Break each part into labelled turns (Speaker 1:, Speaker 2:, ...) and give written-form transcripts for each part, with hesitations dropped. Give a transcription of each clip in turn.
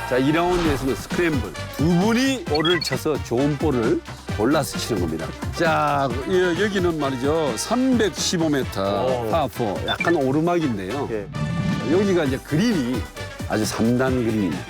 Speaker 1: 자, 2라운드에서는 스크램블. 두 분이 볼을 쳐서 좋은 볼을 골라서 치는 겁니다. 자, 여기는 말이죠. 315m 파4 약간 오르막인데요.
Speaker 2: 예.
Speaker 1: 여기가 이제 그린이 아주 3단 그린입니다.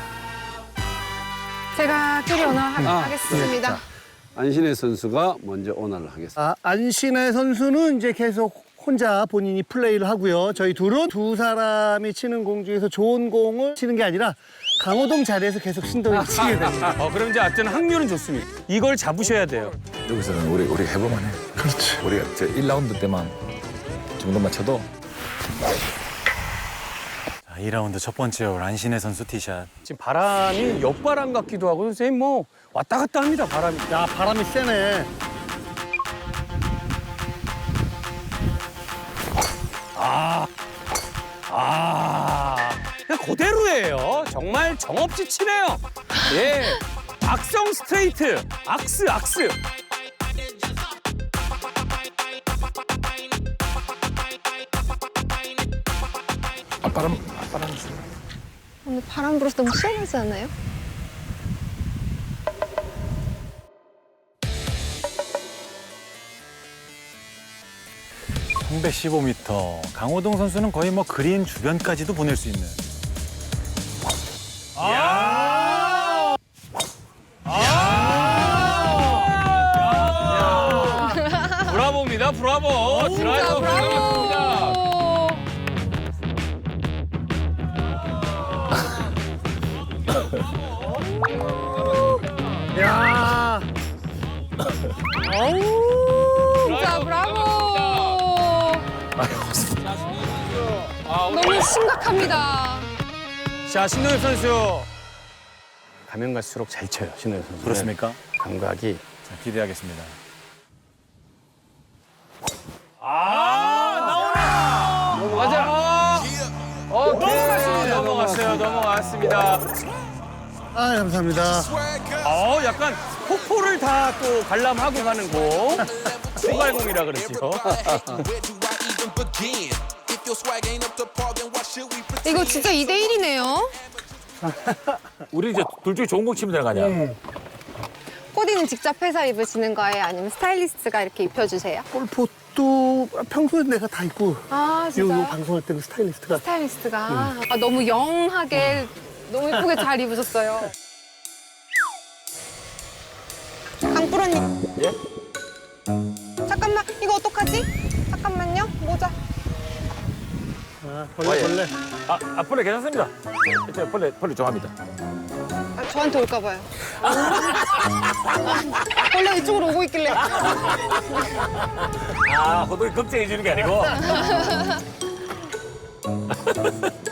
Speaker 3: 제가 캐리 오너 하겠습니다.
Speaker 1: 자, 안신혜 선수가 먼저 오너를 하겠습니다.
Speaker 2: 안신혜 선수는 이제 계속 혼자 본인이 플레이를 하고요. 저희 둘은 두 사람이 치는 공 중에서 좋은 공을 치는 게 아니라 강호동 자리에서 계속 신동이 치게 됩니다.
Speaker 4: 그럼 이제 어쨌든 확률은 좋습니다. 이걸 잡으셔야 돼요.
Speaker 5: 여기서는 우리 해보만 해. 그렇지. 우리가 저 1라운드 때만 정도만 쳐도.
Speaker 6: 자, 2라운드 첫 번째 홀 안신혜 선수 티샷.
Speaker 4: 지금 바람이 옆바람 같기도 하고 선생님 뭐 왔다 갔다 합니다, 바람이.
Speaker 2: 야, 바람이 세네.
Speaker 4: 그냥 그대로예요. 정말 정없이 치네요. 예. 악성 스트레이트. 악스.
Speaker 5: 앞바람.
Speaker 3: 오늘 바람 불어서 너무 시원하지 않아요?
Speaker 6: 백 315m. 강호동 선수는 거의 뭐 그린 주변까지도 보낼 수 있는.
Speaker 4: 브라보입니다, 브라보. 드라이버 들어갔습니다.
Speaker 2: 야,
Speaker 3: 진짜 브라보. 너무 심각합니다.
Speaker 4: 자, 신동엽 선수. 가면 갈수록 잘 쳐요, 신동엽 선수.
Speaker 6: 그렇습니까?
Speaker 4: 감각이.
Speaker 6: 자, 기대하겠습니다.
Speaker 4: 맞아. 넘어갔습니다.
Speaker 2: 아, 감사합니다.
Speaker 4: 약간 폭포를 다 또 관람하고 가는 공. 소갈공이라 그러죠.
Speaker 3: 이거 진짜 2대1이네요.
Speaker 5: 우리 이제 둘 중에 좋은 공 치면 되는 거 아니야?
Speaker 3: 코디는 직접 해서 입으시는 거예요? 아니면 스타일리스트가 이렇게 입혀주세요?
Speaker 2: 골프도 평소에 내가 다 입고
Speaker 3: 아,
Speaker 2: 요
Speaker 3: 진짜요?
Speaker 2: 방송할 때는 스타일리스트가
Speaker 3: 스타일리스트가. 아, 너무 영하게 너무 예쁘게 잘 입으셨어요. 강프로님.
Speaker 5: 예?
Speaker 3: 잠깐만, 이거 어떡하지? 잠깐만요, 모자.
Speaker 2: 벌레.
Speaker 5: 벌레 괜찮습니다. 일단 벌레 좋아합니다.
Speaker 3: 아, 저한테 올까 봐요. 원래 이쪽으로 오고 있길래.
Speaker 5: 호동이 걱정해 주는 게 아니고.